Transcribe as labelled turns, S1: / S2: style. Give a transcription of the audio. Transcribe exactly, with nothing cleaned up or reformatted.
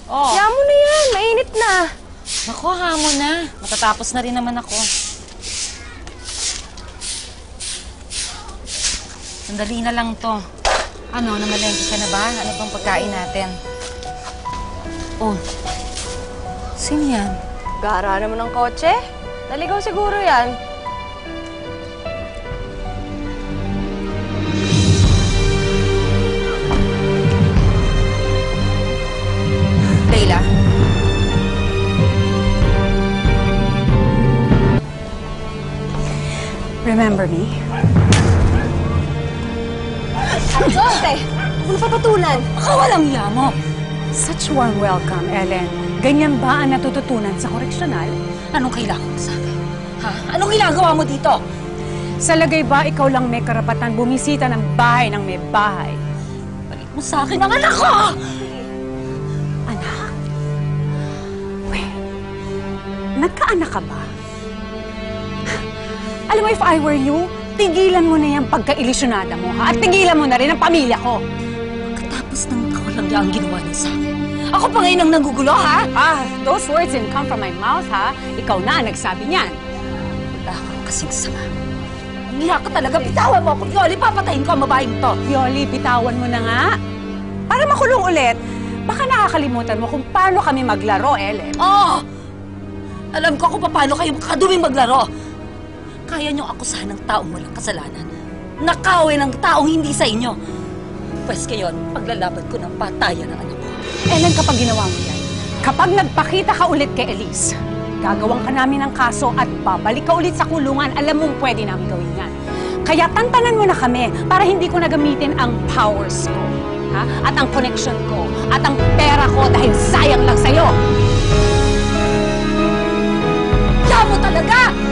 S1: Oh.
S2: Kaya mo na yan. Mainit na.
S1: Naku, hamon na. Matatapos na rin naman ako. Sandali na lang to. Ano, namalengke ka na ba? Ano bang pagkain natin? Oh. Sino yan?
S2: Gara naman ng kotse. Naligaw siguro yan.
S1: Leila?
S3: Remember me?
S2: Ate! Huwag mo papatulan.
S1: Baka walang hiya mo.
S3: Such warm welcome, Ellen. Ganyan ba ang natututunan sa koreksyonal?
S1: Anong kailangan mo sa akin? Ha? Anong ginagawa mo dito?
S3: Sa lagay ba ikaw lang may karapatan bumisita ng bahay ng may bahay?
S1: Balik mo sa akin ang anak ko!
S3: Anak? Well, nagkaanak ka ba? Alam mo, if I were you, tigilan mo na yung pagka-ilusyonada mo, ha? At tigilan mo na rin ang pamilya ko.
S1: Katapos ng kawalang ang ginawa niya sa akin. Ako pa ngayon ang nanggugulo, ha?
S3: Ah, those words didn't come from my mouth, ha? Ikaw na ang nagsabi niyan.
S1: Wala kang kasing sama. Umiyak ka talaga. Bitawan mo ako, Yoli. Papatayin ko ang babaeng to.
S3: Yoli, bitawan mo na nga. Para makulong ulit, baka nakakalimutan mo kung paano kami maglaro, Ellen.
S1: Oo! Oh! Alam ko kung paano kayo makaduming maglaro. Kaya niyong akusahan ng taong walang kasalanan. Nakawin ng taong hindi sa inyo. Pwes ngayon, paglalaban ko ng patayan ng anak ko.
S3: Ellen, kapag ginawa mo yan, kapag nagpakita ka ulit kay Elise, gagawang ka namin ng kaso at babalik ka ulit sa kulungan, alam mong pwede namin gawin yan. Kaya tantanan mo na kami para hindi ko nagamitin ang powers ko, ha? At ang connection ko, at ang pera ko dahil sayang lang sa'yo.
S1: Kaya mo talaga!